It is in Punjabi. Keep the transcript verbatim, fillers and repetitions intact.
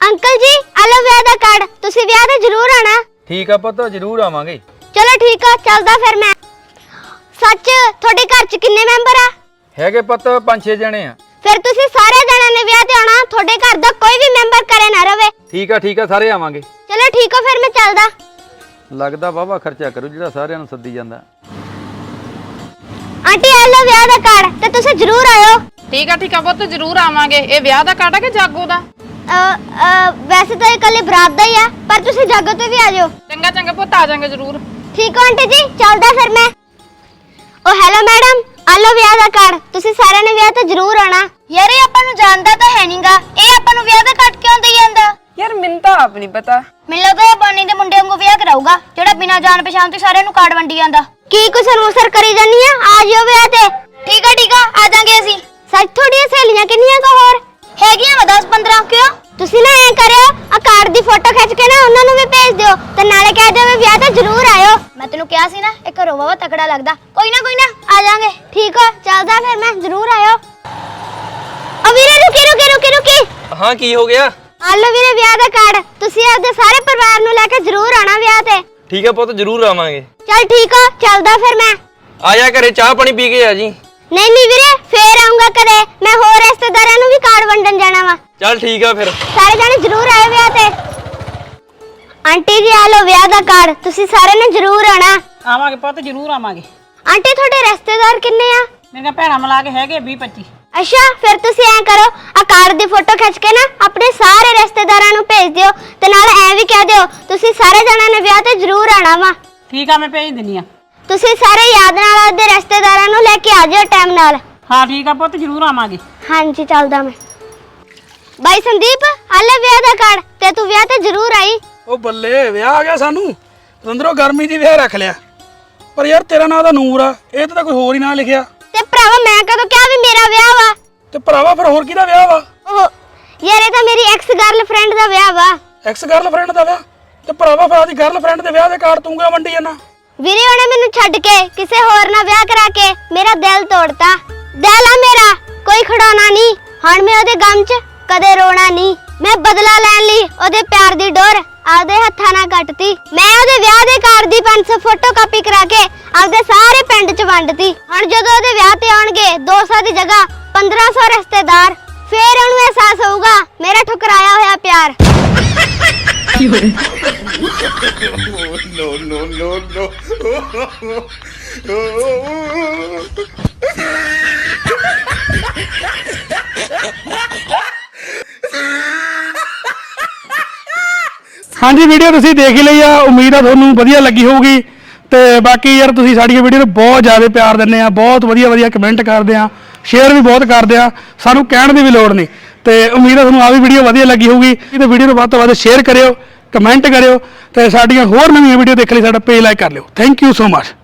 अंकल जी आलो विआह दा कार्ड तुसी विआह ते जरूर आना। ठीक है पुत्त जरूर आवांगे। चलो ठीक है चलदा फिर मैं। सच थोड़े घर च किन्ने मैंबर आ? हैगे पुत्त पांच छे जने आ। फिर तुसी सारे जणा ने विआह ते आना, थोड़े घर दा कोई भी मैंबर करे ना रवे। ठीक है ठीक है सारे आवांगे। चलो ठीक है फिर मैं चलदा। लगदा वावा खर्चा करू जेड़ा सारियां नूं सद्दी जांदा। आंटी आलो विआह दा कार्ड ते तुसी जरूर आयो। ठीक है ठीक है पुत्त जरूर आवांगे। ए विआह दा कार्ड है कि जागो दा? अ अ वैसे तो ये कल बरात दा ही है पर तुसी जागो ते भी आ जाओ। चंगा चंगा पुत्त आ जाएंगे जरूर। ठीक है आंटी जी चलदा फिर मैं। ओ हेलो मैडम आलो विआह दा कार्ड तुसी सारे ने विआह ते जरूर आना। यार ये ਆਪਾਂ ਨੂੰ ਜਾਣਦਾ ਤਾਂ ਹੈ ਨਹੀਂਗਾ, ਇਹ ਆਪਾਂ ਨੂੰ ਵਿਆਹ ਦਾ ਕਾਰਡ ਕਿਉਂ ਦੇਈ ਜਾਂਦਾ? यार मैनूं तां आप नहीं पता। ਮੈਨੂੰ ਲੱਗਦਾ ਇਹ ਬਾਨੀ ਦੇ ਮੁੰਡੇ ਵਾਂਗੂ ਵਿਆਹ ਕਰਾਊਗਾ ਜਿਹੜਾ ਬਿਨਾਂ ਜਾਣ ਪਛਾਣ ਤੋਂ ਸਾਰਿਆਂ ਨੂੰ ਕਾਰਡ ਵੰਡੀ ਜਾਂਦਾ। ਕੀ ਕੁਸਰ ਮੁਸਰ ਕਰੀ ਜਾਨੀ ਆ? ਆ ਜਿਓ ਵਿਆਹ ਤੇ। ਠੀਕ ਆ ਠੀਕ ਆ ਆ ਜਾਾਂਗੇ ਅਸੀਂ। ਸੱਚ ਤੁਹਾਡੀਆਂ ਸਹੇਲੀਆਂ ਕਿੰਨੀਆਂ ਕੋ ਹੋਰ ਹੈਗੀਆਂ ਵਾ ਦਸ ਪੰਦਰਾਂ। ਕਿਉਂ ਤੁਸੀਂ ਨਾ ਐ ਕਰਿਓ ਆ ਕਾਰਡ ਦੀ ਫੋਟੋ ਖਿੱਚ ਕੇ ਨਾ ਉਹਨਾਂ ਨੂੰ ਵੀ ਭੇਜ ਦਿਓ ਤੇ ਨਾਲੇ ਕਹਿ ਦਿਓ ਵੀ ਵਿਆਹ ਤੇ ਜ਼ਰੂਰ ਆਇਓ। ਮੈਂ ਤੈਨੂੰ ਕਿਹਾ ਸੀ ਨਾ ਇਹ ਘਰੋਂ ਵਾਵਾ ਤਕੜਾ ਲੱਗਦਾ। ਕੋਈ ਨਾ ਕੋਈ ਨਾ ਆ ਜਾਾਂਗੇ। ਠੀਕ ਆ ਚੱਲਦਾ ਫਿਰ ਮੈਂ ਜ਼ਰੂਰ ਆਇਓ। ਆ ਵੀਰੇ ਰੁਕੀ ਰੁਕੀ ਰੁਕੀ ਰੁਕੀ। हाँ की हो गया? ਆ ਲਓ ਵੀਰੇ ਵਿਆਹ ਦਾ ਕਾਰਡ ਤੁਸੀਂ ਆਪਦੇ ਸਾਰੇ ਪਰਿਵਾਰ ਨੂੰ ਲੈ ਕੇ ਜ਼ਰੂਰ ਆਣਾ ਵਿਆਹ ਤੇ। ठीक है पुत्त जरूर आवांगे। ਚੱਲ ਠੀਕ ਆ ਚੱਲਦਾ ਫਿਰ ਮੈਂ। आया घरे चाह पानी पी के आ जी। ਨਹੀਂ ਨਹੀਂ ਵੀਰੇ ਫੇਰ ਆਉਂਗਾ ਕਦੇ। ਮੈਂ ਹੋਰ ਰਿਸ਼ਤੇਦਾਰਾਂ ਨੂੰ ਵੀ ਕਾਰਡ ਵੰਡਣ ਜਾਣਾ ਵਾ। चल ठीक है फिर। ਸਾਰੇ ਜਾਣੇ ਜ਼ਰੂਰ ਆਇਓ ਵਿਆਹ ਤੇ। ਆਂਟੀ ਜੀ ਆ ਲਓ ਵਿਆਹ ਦਾ ਕਾਰਡ ਤੁਸੀਂ ਸਾਰੇ ਨੇ ਜ਼ਰੂਰ ਆਣਾ। ਆਵਾਂਗੇ ਪੁੱਤ ਜ਼ਰੂਰ ਆਵਾਂਗੇ। ਆਂਟੀ ਤੁਹਾਡੇ ਰਿਸ਼ਤੇਦਾਰ ਕਿੰਨੇ ਆ? ਮੇਰੀਆਂ ਭੈਣਾਂ ਮਿਲਾ ਕੇ ਹੈਗੇ ਵੀਹ ਪੱਚੀ। ਅੱਛਾ ਫਿਰ ਤੁਸੀਂ ਐਂ ਕਰੋ ਆ ਕਾਰਡ ਦੀ ਫੋਟੋ ਖਿੱਚ ਕੇ ਨਾ ਆਪਣੇ ਸਾਰੇ ਰਿਸ਼ਤੇਦਾਰਾਂ ਨੂੰ ਭੇਜ ਦਿਓ ਤੇ ਨਾਲ ਐ ਵੀ ਕਹਿ ਦਿਓ ਤੁਸੀਂ ਸਾਰੇ ਜਣਾਂ ਨੇ ਵਿਆਹ ਤੇ ਜ਼ਰੂਰ ਆਣਾ ਵਾ। ਠੀਕ ਆ ਮੈਂ ਭੇਜ ਦਿੰਨੀ ਆ। ਤੁਸੀਂ ਸਾਰੇ ਯਾਦ ਨਾਲ ਆਪਦੇ ਰਿਸ਼ਤੇਦਾਰਾਂ ਨੂੰ ਲੈ ਕੇ ਆ ਜਿਓ ਟਾਈਮ ਨਾਲ। ਹਾਂ ਠੀਕ ਆ ਪੁੱਤ ਜ਼ਰੂਰ ਆਵਾਂਗੇ। ਹਾਂਜੀ ਚੱਲਦਾ ਮੈਂ। ਬਾਈ ਸੰਦੀਪ ਆ ਲੈ ਵਿਆਹ ਦਾ ਕਾਰਡ ਤੇ ਤੂੰ ਵਿਆਹ ਤੇ ਜ਼ਰੂਰ ਆਈ। ਉਹ ਬੱਲੇ ਵਿਆਹ ਆ ਗਿਆ ਸਾਨੂੰ। ਅੰਦਰੋਂ ਗਰਮੀ ਦੀ ਵਿਆਹ ਰੱਖ ਲਿਆ। ਪਰ ਯਾਰ ਤੇਰਾ ਨਾਂ ਤਾਂ ਨੂਰ ਆ, ਇਹ ਤਾਂ ਕੋਈ ਹੋਰ ਹੀ ਨਾਂ ਲਿਖਿਆ। ਤੇ ਭਰਾਵਾ ਮੈਂ ਕਦੋਂ ਕਿਹਾ ਵੀ ਮੇਰਾ ਵਿਆਹ ਵਾ? ਤੇ ਭਰਾਵਾ ਫਿਰ ਹੋਰ ਕਿਹਦਾ ਵਿਆਹ ਵਾ? ਉਹ ਯਾਰ ਇਹ ਤਾਂ ਮੇਰੀ ਐਕਸ ਗਰਲਫ੍ਰੈਂਡ ਦਾ ਵਿਆਹ ਵਾ। ਐਕਸ ਗਰਲਫ੍ਰੈਂਡ ਦਾ ਵਿਆਹ? ਤੇ ਭਰਾਵਾ ਫਿਰ ਆਦੀ ਗਰਲਫ੍ਰੈਂਡ ਦੇ ਵਿਆਹ ਦੇ ਕਾਰਡ ਤੂੰ ਕਿਉਂ ਵੰਡੀ ਜਾਣਾ? ਵੀਰੇ ਉਹਨੇ ਮੈਨੂੰ ਛੱਡ ਕੇ ਕਿਸੇ ਹੋਰ ਨਾਲ ਵਿਆਹ ਕਰਾ ਕੇ ਮੇਰਾ ਦਿਲ ਤੋੜਤਾ। ਦਿਲ ਆ ਮੇਰਾ ਕੋਈ ਖੜਾਉਣਾ ਨਹੀਂ। ਹੁਣ ਮੈਂ ਉਹਦੇ ਗਮ 'ਚ ਕਦੇ ਰੋਣਾ ਨਹੀਂ। ਮੈਂ ਬਦਲਾ ਲੈਣ ਲਈ ਉਹਦੇ ਪਿਆਰ ਦੀ ਡੋਰ ਆਪਦੇ ਹੱਥਾਂ ਨਾਲ ਕੱਟਤੀ। ਮੈਂ ਉਹਦੇ ਵਿਆਹ ਦੇ ਕਾਰਡ ਦੀ ਪੰਜ ਸੌ ਫੋਟੋ ਕਾਪੀ ਕਰਾ ਕੇ ਆਪਦੇ ਸਾਰੇ ਪਿੰਡ 'ਚ ਵੰਡਤੀ। ਹੁਣ ਜਦੋਂ ਉਹਦੇ ਵਿਆਹ ਤੇ ਆਉਣਗੇ ਦੋ ਸੌ ਦੀ ਜਗ੍ਹਾ ਪੰਦਰਾਂ ਸੌ ਰਿਸ਼ਤੇਦਾਰ, ਫੇਰ ਉਹਨੂੰ ਅਹਿਸਾਸ ਹੋਊਗਾ ਮੇਰਾ ਠੁਕਰਾਇਆ ਹੋਇਆ ਪਿਆਰ। ਹਾਂਜੀ ਵੀਡੀਓ ਤੁਸੀਂ ਦੇਖ ਹੀ ਲਈ ਆ। ਉਮੀਦ ਆ ਤੁਹਾਨੂੰ ਵਧੀਆ ਲੱਗੀ ਹੋਊਗੀ। ਤੇ ਬਾਕੀ ਯਾਰ ਤੁਸੀਂ ਸਾਡੀਆਂ ਵੀਡੀਓ ਨੂੰ ਬਹੁਤ ਜ਼ਿਆਦਾ ਪਿਆਰ ਦਿੰਦੇ ਆ, ਬਹੁਤ ਵਧੀਆ ਵਧੀਆ ਕਮੈਂਟ ਕਰਦੇ ਆ, ਸ਼ੇਅਰ ਵੀ ਬਹੁਤ ਕਰਦੇ ਆ। ਸਾਨੂੰ ਕਹਿਣ ਦੀ ਵੀ ਲੋੜ ਨਹੀਂ। ਤੇ ਉਮੀਦ ਆ ਤੁਹਾਨੂੰ ਆ ਵੀ ਵੀਡੀਓ ਵਧੀਆ ਲੱਗੀ ਹੋਊਗੀ। ਤੇ ਵੀਡੀਓ ਨੂੰ ਵੱਧ ਤੋਂ ਵੱਧ ਸ਼ੇਅਰ ਕਰਿਓ, ਕਮੈਂਟ ਕਰਿਓ ਤੇ ਸਾਡੀਆਂ ਹੋਰ ਨਵੀਆਂ ਵੀਡੀਓ ਦੇਖਣ ਲਈ ਸਾਡਾ ਪੇਜ ਲਾਈਕ ਕਰ ਲਿਓ। Thank you so much.